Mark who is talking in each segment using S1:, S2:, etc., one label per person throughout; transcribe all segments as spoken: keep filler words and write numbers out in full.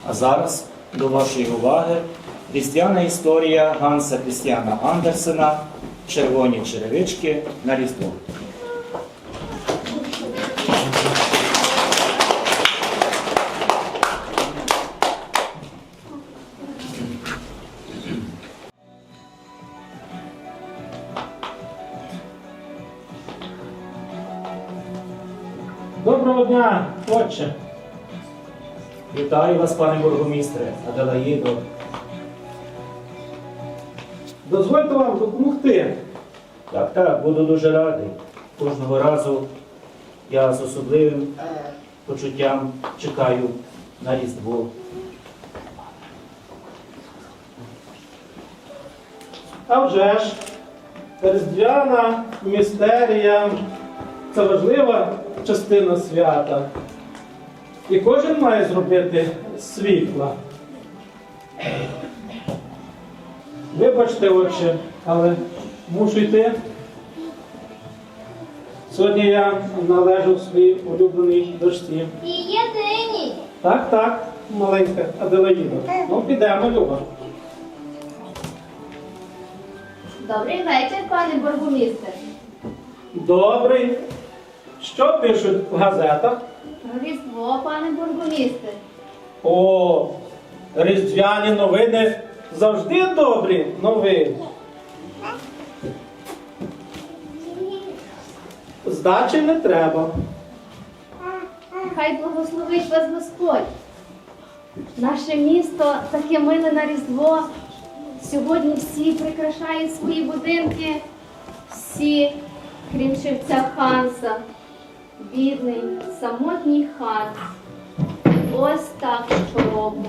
S1: А зараз до вашої уваги різдвяна історія Ганса Крістіана Андерсена «Червоні черевички на Різдво».
S2: Доброго дня, отче.
S1: Вітаю вас, пане бургомістре, Аделаїдо.
S2: Дозвольте вам допомогти.
S1: Так, так, буду дуже радий. Кожного разу я з особливим почуттям чекаю на Різдво.
S2: А вже ж, різдвяна містерія – це важлива частина свята. І кожен має зробити світла. Вибачте, отче, але мушу йти. Сьогодні я належу своїй улюбленій дочці.
S3: І єдині.
S2: Так, так, маленька Аделаїда. Ну, підемо, Люба.
S3: Добрий вечір, пане бургомістр.
S2: Добрий. Що пишуть в газетах?
S3: Про Різдво, пане бургомістр.
S2: О, різдвяні новини завжди добрі новини. Здачі не треба.
S3: Хай благословить вас Господь. Наше місто таке миле на Різдво. Сьогодні всі прикрашають свої будинки. Всі, крім шевця Ханса. Бідний, самотній Ханс. Ось так щороку.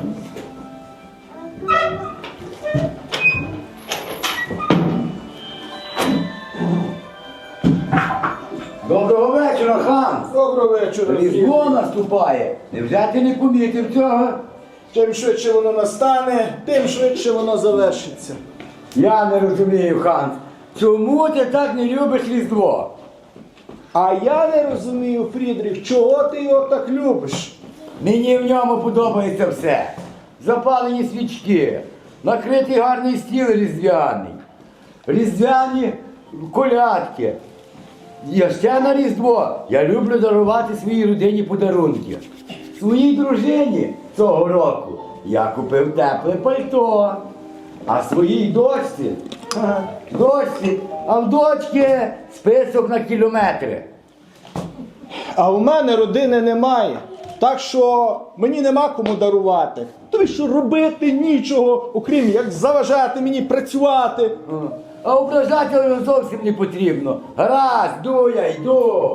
S4: Доброго вечора, хан!
S5: Доброго вечора.
S4: Різдво наступає. Невже ти не помітив цього?
S5: Чим швидше воно настане, тим швидше воно завершиться.
S4: Я не розумію, хан. Чому ти так не любиш Різдво?
S5: А я не розумію, Фрідріх, чого ти його так любиш?
S4: Мені в ньому подобається все. Запалені свічки, накритий гарний стіл різдвяний, різдвяні колядки. Я ще на Різдво я люблю дарувати своїй родині подарунки. Своїй дружині цього року я купив тепле пальто, а своїй дочці, ха, дочці, а в дочки список на кілометри.
S5: А у мене родини немає, так що мені нема кому дарувати. Тобі що робити нічого, окрім як заважати мені працювати.
S4: А ображати його зовсім не потрібно. Гаразд, йду я, йду.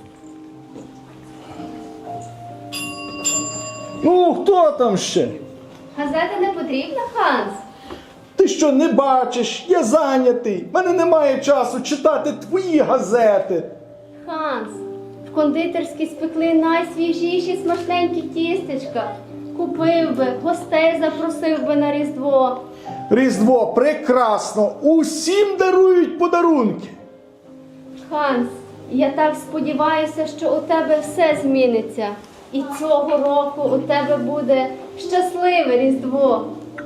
S5: Ну, хто там ще?
S3: Газета не потрібна, Ханс?
S5: Ти що, не бачиш? Я зайнятий. В мене немає часу читати твої газети.
S3: Ханс, в кондитерській спекли найсвіжіші смачненькі тістечка. Купив би, гостей запросив би на Різдво.
S5: Різдво прекрасно. Усім дарують подарунки.
S3: Ханс, я так сподіваюся, що у тебе все зміниться. І цього року у тебе буде щасливе Різдво.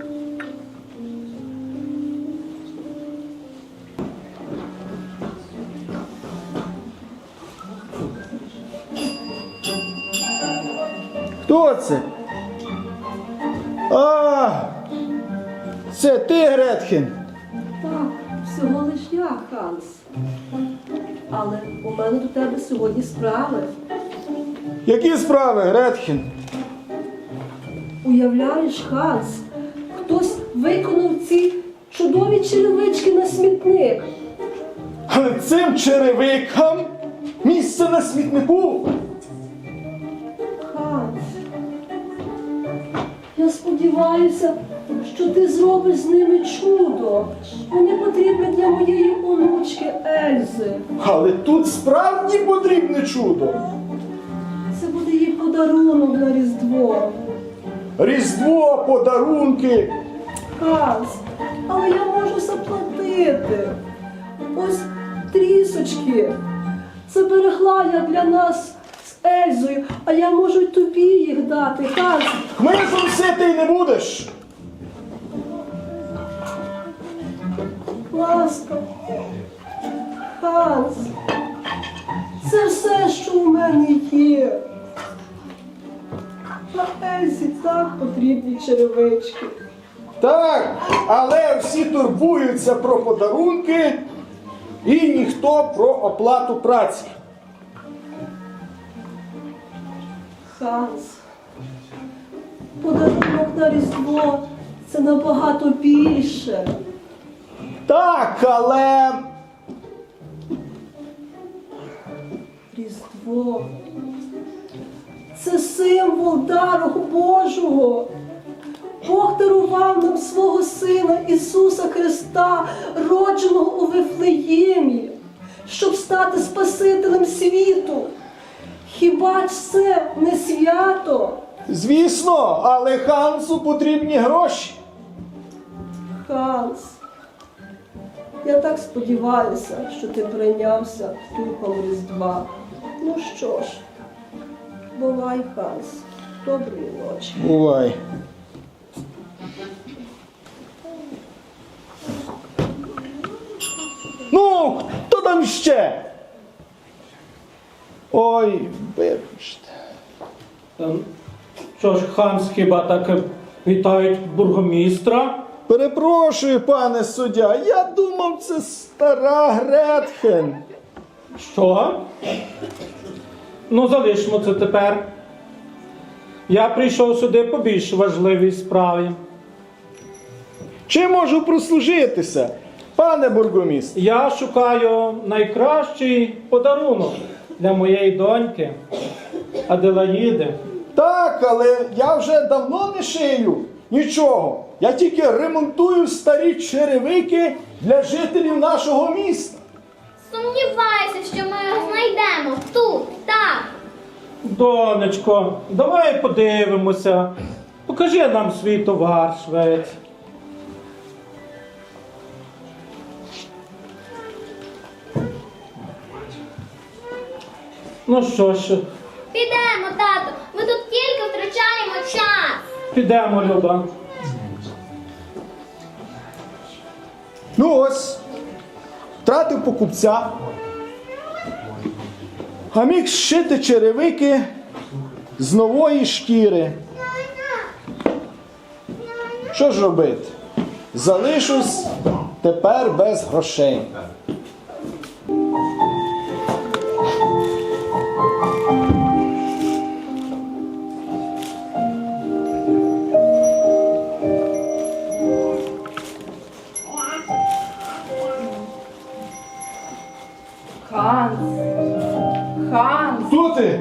S5: Хто це? А, це ти, Гретхен?
S6: Так, всього лиш я, Ханс. Але у мене до тебе сьогодні справи.
S5: Які справи, Гретхен?
S6: Уявляєш, Ханс, хтось виконав ці чудові черевички на смітник.
S5: Але цим черевикам місце на смітнику.
S6: Ханс, я сподіваюся, що ти зробиш з ними чудо. Вони потрібні для моєї онучки Ельзи.
S5: Але тут справді потрібне чудо.
S6: Це буде їй подарунок на Різдво.
S5: Різдво, подарунки.
S6: Ханс, але я можу заплатити. Ось трісочки. Зберегла я для нас Ельзою, а я можу й тобі їх дати, Ханс.
S5: Хмизом ситий не будеш.
S6: Ласка. Ханс. Це все, що у мене є. А Ельзі так потрібні черевички.
S5: Так, але всі турбуються про подарунки і ніхто про оплату праці.
S6: Ханс. Подарунок на Різдво – це набагато більше.
S5: Так, але
S6: Різдво – це символ дару Божого. Бог дарував нам свого Сина Ісуса Христа, родженого у Вифлеємі, щоб стати Спасителем світу. Хіба ж це не свято?
S5: звісно, але Хансу потрібні гроші.
S6: Ханс, я так сподіваюся, що ти прийнявся духом Різдва. Ну що ж, бувай, Ханс. Доброї ночі.
S5: Бувай. Ну, хто там ще? Ой, вибачте.
S2: Ем, Що ж, Ханс хіба так е, вітають бургомістра?
S5: Перепрошую, пане суддя, я думав, це стара Гретхен.
S2: Що? Ну, залишимо це тепер. Я прийшов сюди по більш важливій справі.
S5: Чи можу прослужитися, пане бургомістр?
S2: Я шукаю найкращий подарунок для моєї доньки Аделаїди.
S5: Так, але я вже давно не шию нічого. Я тільки ремонтую старі черевики для жителів нашого міста.
S3: Сумніваюся, що ми його знайдемо тут, так.
S2: Донечко, давай подивимося. Покажи нам свій товар, швець. Ну що ж,
S3: Підемо, тату, ми тут тільки втрачаємо час.
S2: підемо, Люба.
S5: Ну ось, втратив покупця, а міг зшити черевики з нової шкіри. Що ж робити? Залишусь тепер без грошей.
S7: Ханс, Ханс,
S5: Хто ти?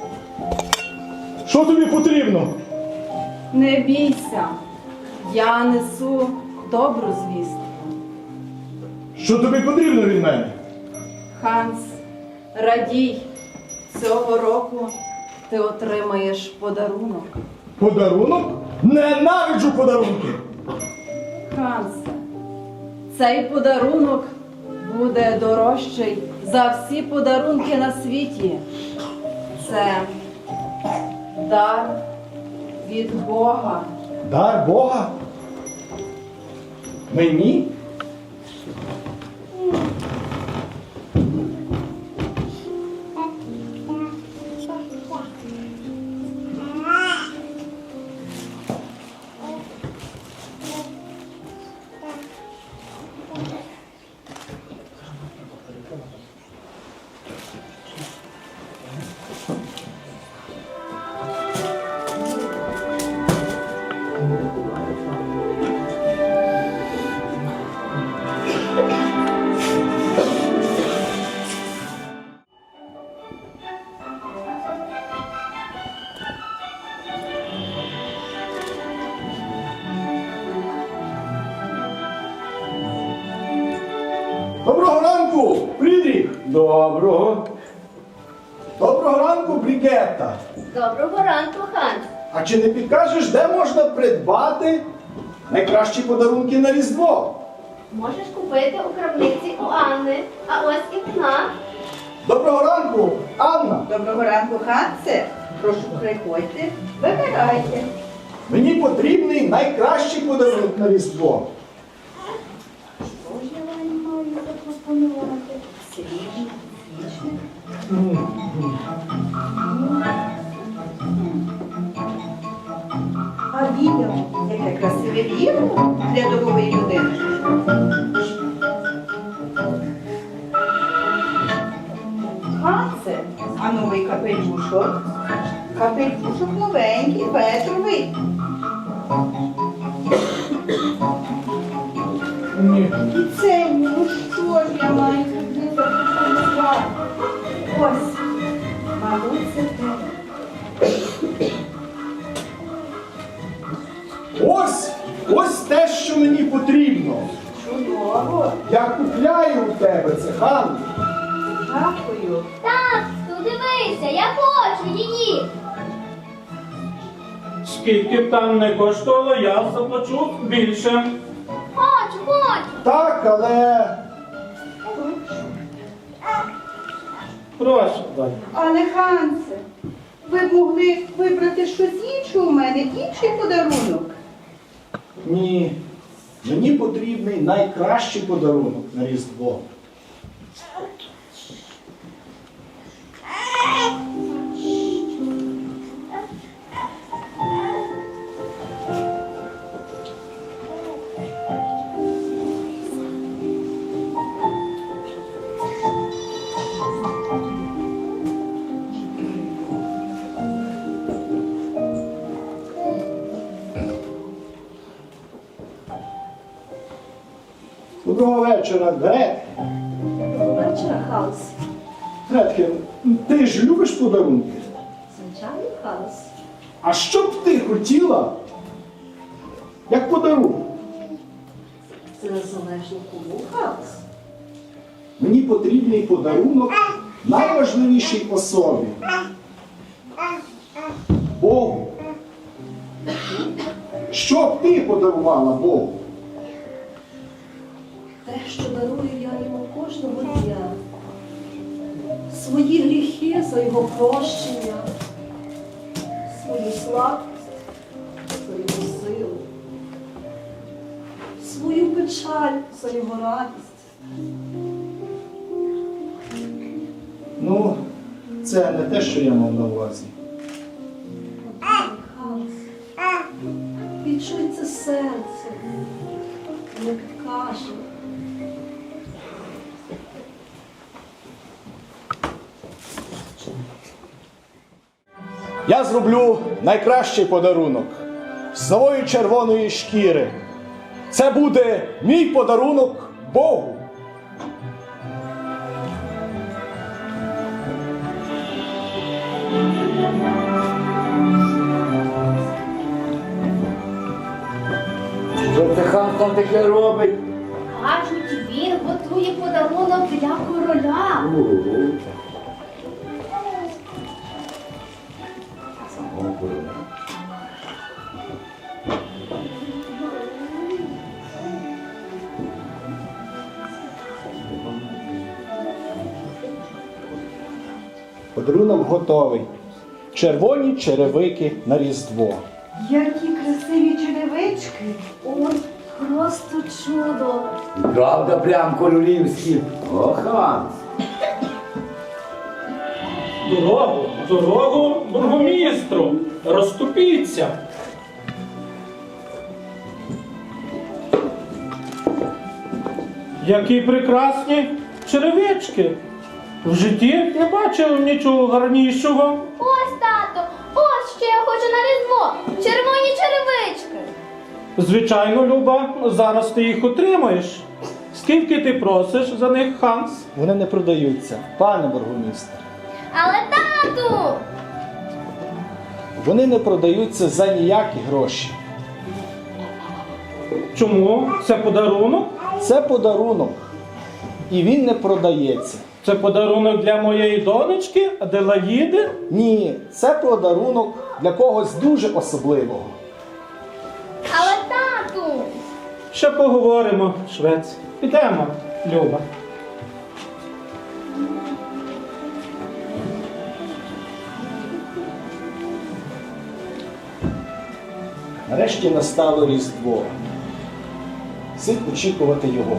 S5: Що тобі потрібно?
S7: не бійся, я несу добру звістку.
S5: Що тобі потрібно від мене?
S7: Ханс, радій, цього року ти отримаєш подарунок.
S5: Подарунок? Ненавиджу подарунки!
S7: Хансе, цей подарунок буде дорожчий за всі подарунки на світі. Це дар від Бога.
S5: Дар Бога? Мені? Доброго ранку, Фрідріх!
S4: Доброго.
S5: Доброго ранку, Брігетта!
S3: Доброго ранку, Ханс.
S5: А чи не підкажеш, де можна придбати найкращі подарунки на Різдво?
S3: Можеш купити у крамниці у Анни, а ось і вона.
S5: Доброго ранку, Анна.
S8: Доброго ранку, Хансе. Прошу, приходьте, вибирайте.
S5: Мені потрібний найкращий подарунок на Різдво.
S8: Що ж я вам маю запропонувати? Свіжий, свіжий. А відео, яке красиве відео для домової людини. Хансе, а новий капелюшок? Капелюшок новенький, ветровий.
S2: Ні.
S8: І це, ну що ж я маю тобі запропонувати? Ось, мабуть, це те.
S5: Ось, ось те, що мені потрібно.
S8: Чудово.
S5: Я купляю у тебе це, Ганна.
S8: Дякую.
S3: Тату, дивися, я хочу її.
S2: Скільки б там не коштувало, я заплачу більше.
S3: Хочу, хочу.
S5: Так, але
S2: Прошу, далі.
S8: Але, Хансе, ви б могли вибрати щось інше у мене, інший подарунок.
S5: ні. Мені потрібний найкращий подарунок на Різдво. Доброго вечора, Грет.
S6: Доброго вечора, Ханс.
S5: Гретке, ти ж любиш подарунки?
S6: Звичайно, Ханс.
S5: А що б ти хотіла, як подарунок?
S6: Це незалежно кому, Ханс.
S5: Мені потрібний подарунок найважливішій особі. Богу. Що б ти подарувала Богу?
S6: Те, що дарую я йому кожного дня. Свої гріхи за його прощення, свою слабкість за його силу, свою печаль за його радість.
S5: Ну, це не те, що я мав на увазі.
S6: Ханс, відчуй це серце, не підкаже.
S5: Я зроблю найкращий подарунок з нової червоної шкіри. Це буде мій подарунок Богу.
S4: Що це хан там таке робить?
S3: Кажуть, він готує подарунок для короля.
S5: Подарунок готовий. Червоні черевики на Різдво.
S8: Які красиві черевички.
S3: Ой, просто чудо.
S4: Правда, прям королівські. О, Ханс.
S2: Дорогу, дорогу бургомістру. Розступіться. Які прекрасні черевички. В житті не бачив нічого гарнішого.
S3: Ось, тато, ось що я хочу на Різдво. Червоні черевички.
S2: Звичайно, Люба, зараз ти їх отримаєш. Скільки ти просиш за них, Ханс?
S5: Вони не продаються, пане бургомістр.
S3: Але, тату!
S5: Вони не продаються за ніякі гроші.
S2: Чому? Це подарунок?
S5: Це подарунок. І він не продається.
S2: Це подарунок для моєї донечки Аделаїди?
S5: Ні, це подарунок для когось дуже особливого.
S3: Але, тату!
S2: Ще поговоримо, швець. Підемо, Люба.
S5: Нарешті настало Різдво. Слід очікувати його.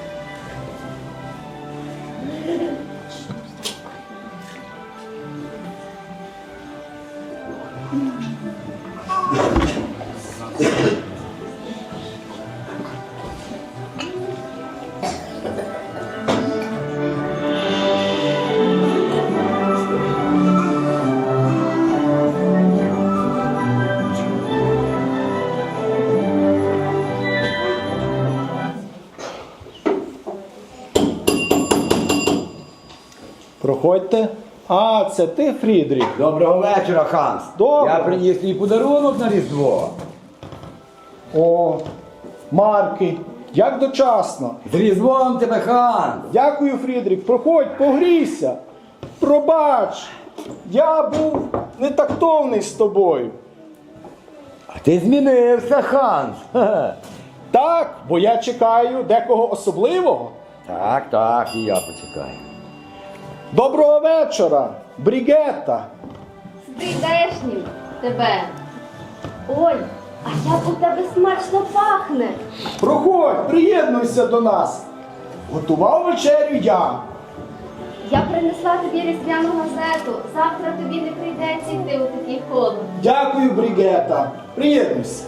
S5: Проходьте. А, це ти, Фрідріх?
S4: Доброго вечора, Ханс.
S5: Доброго.
S4: Я приніс твій подарунок на Різдво.
S5: О, Марки, як дочасно.
S4: З Різдвом тебе, Ханс.
S5: Дякую, Фрідрік. Проходь, погрійся. Пробач, я був нетактовний з тобою.
S4: А ти змінився, Ханс. Ха-ха.
S5: Так, бо я чекаю декого особливого.
S4: Так, так, і я почекаю.
S5: Доброго вечора, Брігетта.
S3: З прийдешнім тебе. Ой, а як у тебе смачно пахне.
S5: Проходь, приєднуйся до нас. Готував вечерю я.
S3: Я принесла тобі різдвяну газету. Завтра тобі не прийдеться йти у такий холод.
S5: Дякую, Брігетта. Приєднуйся.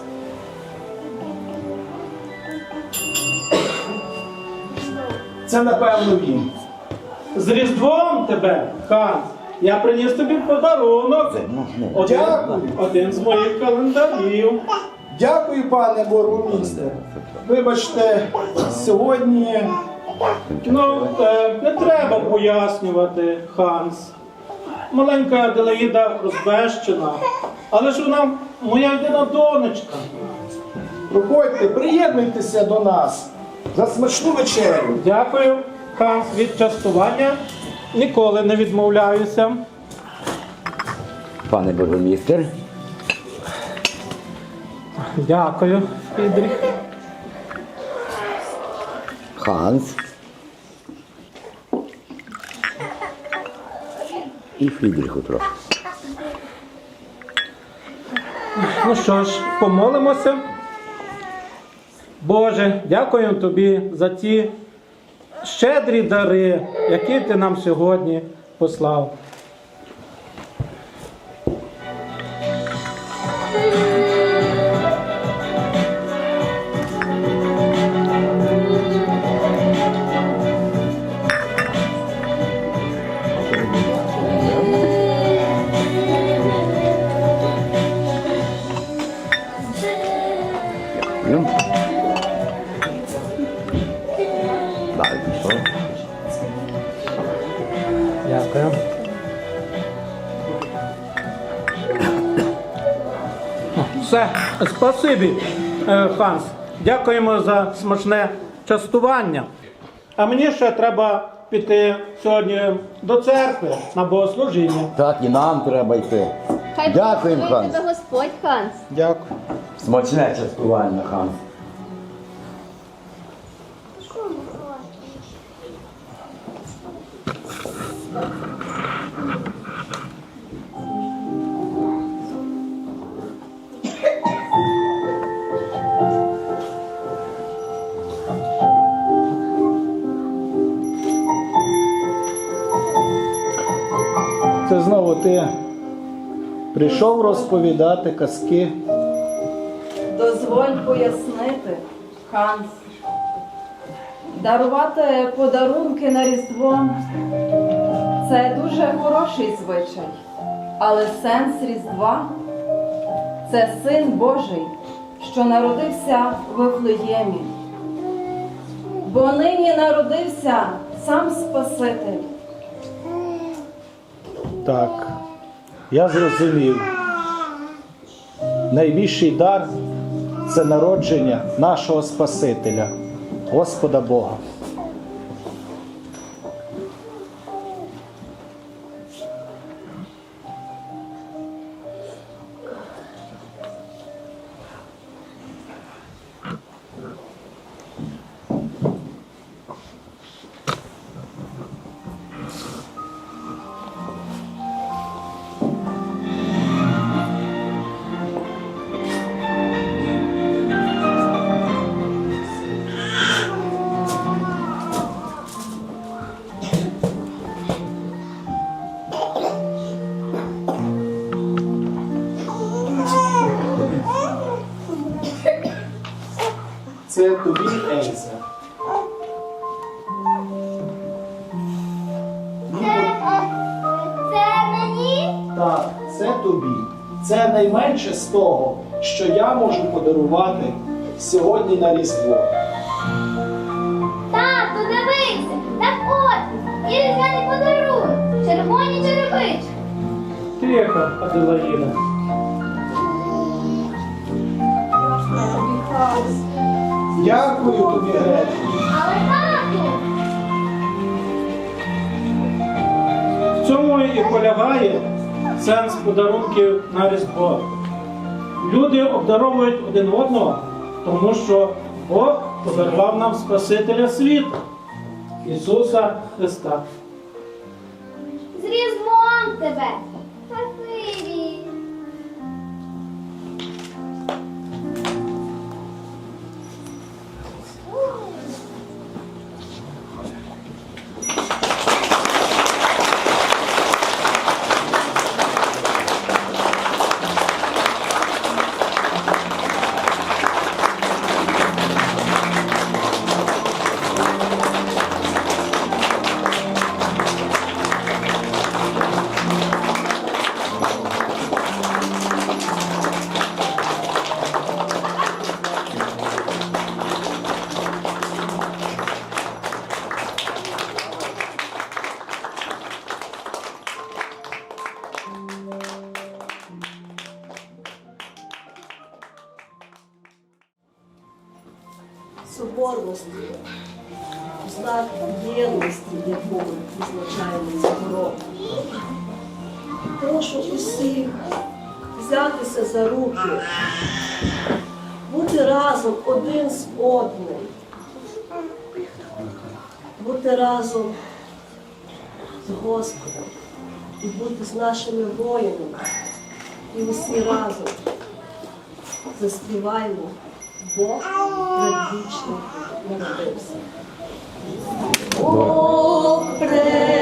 S5: Це, напевно, він.
S2: З Різдвом тебе, Ханс. Я приніс тобі подарунок. Один,
S5: Дякую.
S2: один з моїх календарів.
S5: Дякую, пане бургомістре. Вибачте, сьогодні
S2: Ну, е, не треба пояснювати, Ханс. Маленька Аделаїда розбещена, але ж вона моя єдина донечка.
S5: проходьте, приєднуйтеся до нас за смачну вечерю.
S2: Дякую, Ханс, від частування. Ніколи не відмовляюся.
S4: Пане бургомістер.
S2: Дякую, Фрідріх.
S4: Ханс. І Фрідріху трохи.
S2: Ну що ж, помолимося. Боже, дякую тобі за ті щедрі дари, які ти нам сьогодні послав.
S4: Ну. Далі пішов.
S2: Дякую. Все, спасибі, е, Ханс. Дякуємо за смачне частування. А мені ще треба піти сьогодні до церкви на богослужіння.
S4: Так, і нам треба йти.
S3: Хай
S4: Дякуємо,
S3: благословить
S4: Ханс.
S3: тебе Господь, Ханс.
S5: Дякую.
S4: Смачне частування, Ханс.
S5: Це знову ти прийшов розповідати казки.
S7: Дозволь пояснити, Ханс. Дарувати подарунки на Різдво – це дуже хороший звичай. Але сенс Різдва – це Син Божий, що народився в Вифлеємі. Бо нині народився сам Спаситель.
S5: Так, я зрозумів. Найбільший дар – це народження нашого Спасителя, Господа Бога.
S2: Це тобі, Ельза.
S3: Це мені?
S5: Так, це тобі. Це найменше з того, що я можу подарувати сьогодні на Різдво.
S3: Тату, дивися, так от, і різдвяний подарунок, червоні черевички.
S2: Тихо, Аделаїда.
S6: Тобі, Ханс.
S5: Дякую тобі, Гречко.
S3: Але тату,
S2: В цьому і полягає сенс подарунків на Різдво. Люди обдаровують один одного, тому що Бог подарував нам Спасителя світу, Ісуса Христа.
S3: з Різдвом тебе. Спасибі.
S6: Соборності, знак єдності, яку ми відзначаємо цього року. Прошу усіх взятися за руки, бути разом один з одним, бути разом з Господом і бути з нашими воїнами. І усі разом заспіваємо Бог предвічний народився. Бог предвічний